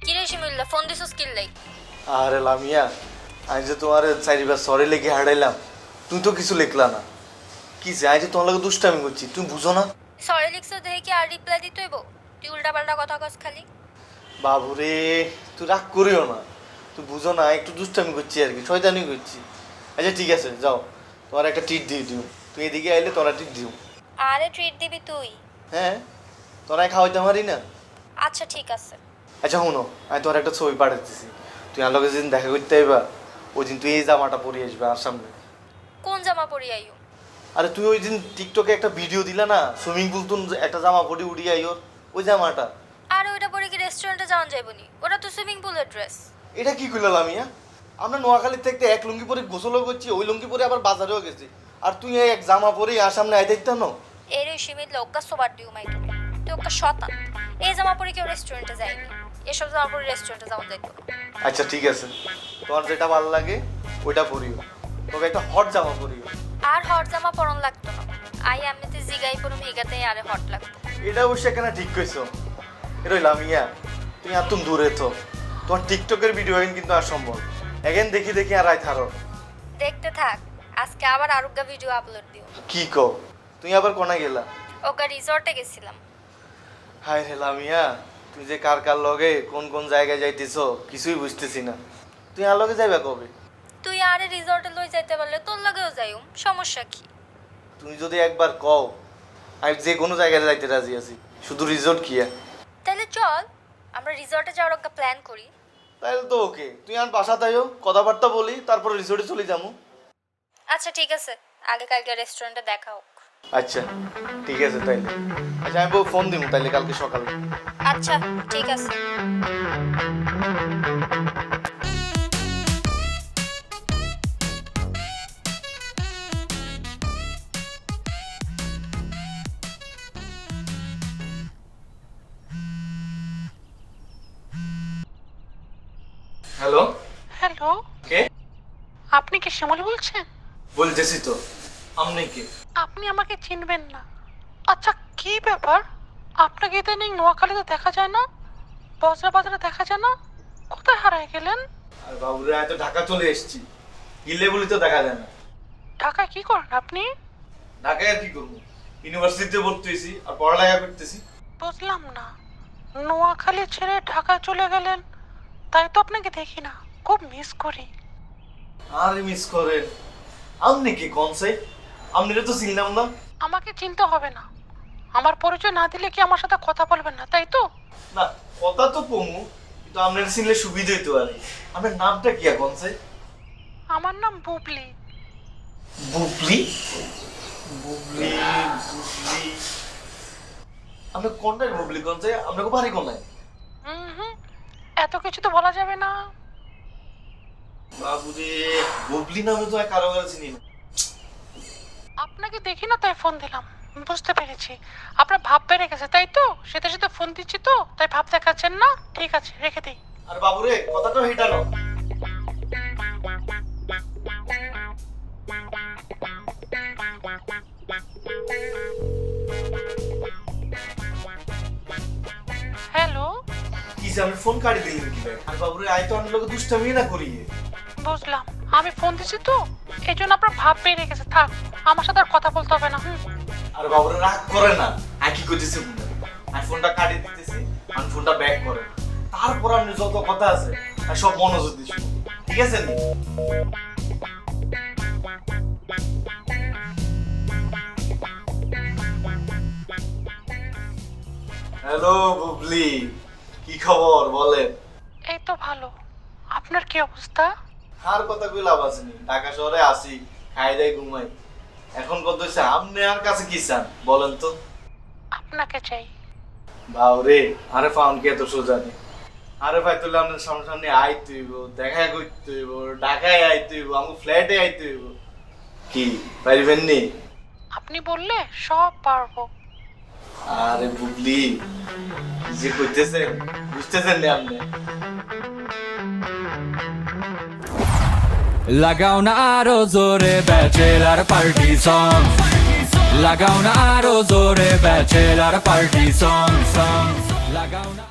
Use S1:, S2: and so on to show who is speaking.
S1: কিরে শিমুল্লা ফোন দিছস কি লাই?
S2: আরে লামিয়া, আমি যে তোমার চারিবার সরে লিখে হারাইলাম, তুই তো কিছু লিখলা না। কি যে আমি যে তোমার লাগে দুষ্টামি করছি, তুমি বুঝো না?
S1: সরি লিখছস দেখে কি আর রিপ্লাই দিতে হইব? তুই উল্টা পাল্টা কথা কস খালি।
S2: বাবুরে, তুই রাগ করিও না, তুই বুঝো না, একটু দুষ্টামি করছি আর কি, শয়তানি করছি। আচ্ছা ঠিক আছে, যাও, তোমার একটা ট্রিট দিয়ে দিও। তুই এদিকে আইলে তোরা ট্রিট দিও।
S1: আরে ট্রিট দিবি তুই?
S2: হ্যাঁ, তোরা খাওয়াইতে পারি না।
S1: আচ্ছা ঠিক আছে।
S2: আচ্ছা শোনো, আমি তোমার একটা ছবি পাঠাতেছি, তুই আমার লগে যেদিন দেখা করতে আইবা ওই দিন তুই এই জামাটা পরে আসবে আর সামনে।
S1: কোন জামা পরি আইও?
S2: আরে তুই ওই দিন টিকটকে একটা ভিডিও দিলা না, সুইমিং পুল তুন একটা জামা পরে উড়িয়ে আইওর, ওই জামাটা।
S1: আর ওইটা পরে কি রেস্টুরেন্টে যাওয়া যাইবনি? ওটা তো সুইমিং পুলের ড্রেস।
S2: এটা কি কইলা মিয়া? আমরা নোয়াখালীর থেকে এক লুঙ্গি পরে গোসলও করছি, ওই লুঙ্গি পরে আবার বাজারেও গেছি, আর তুই এই এক জামা পরে আর সামনে আই দেখতে না?
S1: এর ওই শিমিল্লা ওকা সোবার দিও মাই তুমি। তুই ওকা শতান। এই জামা পরে কেউ রেস্টুরেন্টে যায়নি। এসব জামা পরে রেস্টুরেন্টে যাওয়া যাইব।
S2: আচ্ছা ঠিক আছে, তোমার যেটা ভালো লাগে ওইটা পরিও, তবে একটা হট জামা পরিও।
S1: আর হট জামা পরন লাগতো না। আই এমনিতে জিগাই পরুম হিগাতে আরে হট লাগতো।
S2: এটা অবশ্যই এখানে ঠিক কইছো। এটা লামিয়া, তুমি আর তুমি দূরে তো, তোমার টিকটকের ভিডিও কিন্তু আর সম্ভব এখন দেখি দেখি আর আই থারো।
S1: দেখতে থাক, আজকে আবার আরোগ্য ভিডিও আপলোড দিও।
S2: কি কও, তুমি আবার কোনা গেলা?
S1: ওকা রিসর্টে গেছিলাম।
S2: হায় রে লামিয়া, তুই যে কার কার লগে কোন কোন জায়গায় যাইতেছো কিছুই বুঝতেছি না। তুই আর লগে যাইবা কবে?
S1: তুই আরে রিসর্টে লই যাইতে পারলে তোর লাগেও যাইম, সমস্যা কি?
S2: তুমি যদি একবার কও, আমি যে কোনো জায়গায় যাইতে রাজি আছি, শুধু রিসোর্ট কিয়া।
S1: তাহলে চল আমরা রিসর্টে যাওয়ার একটা প্ল্যান করি।
S2: তাহলে তো ওকে, তুই আর বাসা তাইও কথাবার্তা বলি, তারপর রিসোর্টে চলে যাবো।
S1: আচ্ছা ঠিক আছে, আগে কালকে রেস্টুরেন্টে দেখা হোক।
S2: আচ্ছা ঠিক আছে তাইলে। আচ্ছা আমি ফোন দিব তাইলে কালকে সকালে।
S1: আচ্ছা ঠিক আছে।
S2: হ্যালো,
S3: হ্যালো,
S2: কে?
S3: আপনি কি শ্যামলী বলছেন?
S2: বলতেছি তো, আপনি কে?
S3: আপনি আমাকে চিনবেন না। আচ্ছা, কি ব্যাপার? আপনাকে ইদানিং নোয়াখালীতে দেখা যায় না, বজরা বাজারে দেখা যায় না, কোথায় হারায় গেলেন?
S2: আর বাবুরে, আমি তো ঢাকা চলে এসেছি, গিলে বলি তো দেখা যায় না।
S3: ঢাকায় কি করেন আপনি?
S2: ঢাকায় আর কি করবো, ইউনিভার্সিটিতে ভর্তি হয়েছি আর পড়ালেখা করতেছি।
S3: বুঝলাম না, নোয়াখালী ছেড়ে ঢাকায় চলে গেলেন, তাই তো আপনাকে দেখি না, খুব মিস করি।
S2: আর মিস করেন? আপনি কি কনসে? আপনি তো চিনলাম না।
S3: আমাকে চিনতে হবে না, আমার পরিচয় না দিলে কি আমার সাথে কথা বলবেন না, তাই তো?
S2: না, কথা তো কমু, কিন্তু আপনার চিনলে সুবিধা হইতো আর কি। আপনার নামটা কি কনসে?
S3: আমার নাম বুবলি।
S2: বুবলি? বুবলি বুবলি, আপনি কোনটাই বুবলি কনসে? আপনাকে বাড়ি কোনায়?
S3: হুম, এত কিছু তো বলা যাবে না।
S2: বাবুরে, বুবলি নামে তো আর কারো কাছে চিনি না।
S3: আপনাকে দেখি না তাই ফোন দিলাম। বুঝতে পেরেছি, আপনার ভাব বেড়ে গেছে তাই তো, সেটা সাথে ফোন দিচ্ছি তো তাই ভাব দেখাচ্ছেন না। ঠিক আছে, রেখে দিই।
S2: আর বাবুরে, কথাটা হেটানো।
S3: হ্যালো,
S2: কি যে আপনি ফোন কাটি দিলেন কি ভাই? আর বাবুরে, আই তো আপনার লোক দুষ্টামি না করিয়ে।
S3: বুঝলাম, আমি ফোন দিচ্ছি তো এই জন্য আপনার ভাব বেড়ে গেছে। থাক, আমার সাথে আর কথা বলতে হবে না।
S2: আর বাবুরে রাগ করে না, আমি কি করতেছি বুঝলেন? আমি ফোনটা কাটি দিতেছি, আমি ফোনটা ব্যাক করে, তারপর আপনি যত কথা আছে আর সব মনোযোগ দিয়ে শুনুন, ঠিক আছে নি? হ্যালো বুবলি, কি খবর বলেন?
S3: এই তো ভালো, আপনার কি অবস্থা?
S2: আর কথা কই লাভ আছে নি, ঢাকা শহরে আসি, খাই দাই ঘুমাই। এখন কত হইছে, আপনি আর কাছে কি চান বলেন তো?
S3: আপনাকে চাই।
S2: বাউরে, আরে ফাউন কে তো সোজা নেই। আরে ভাই, তুলে আপনার সামনে সামনে আইতে হইব, দেখা করতে হইব, ঢাকায় আইতে হইব, আমার ফ্ল্যাটে আইতে হইব। কি পারবেন নি?
S3: আপনি বললে সব পারবো।
S2: আরে বুবলি, কি যে কইতেছেন, বুঝতেছেন না আপনি?
S4: লাগাও না আরো জোরে ব্যাচেলার পার্টি সং, লাগাও না আরো জোরে ব্যাচেলার পার্টি সং, লাগাও না।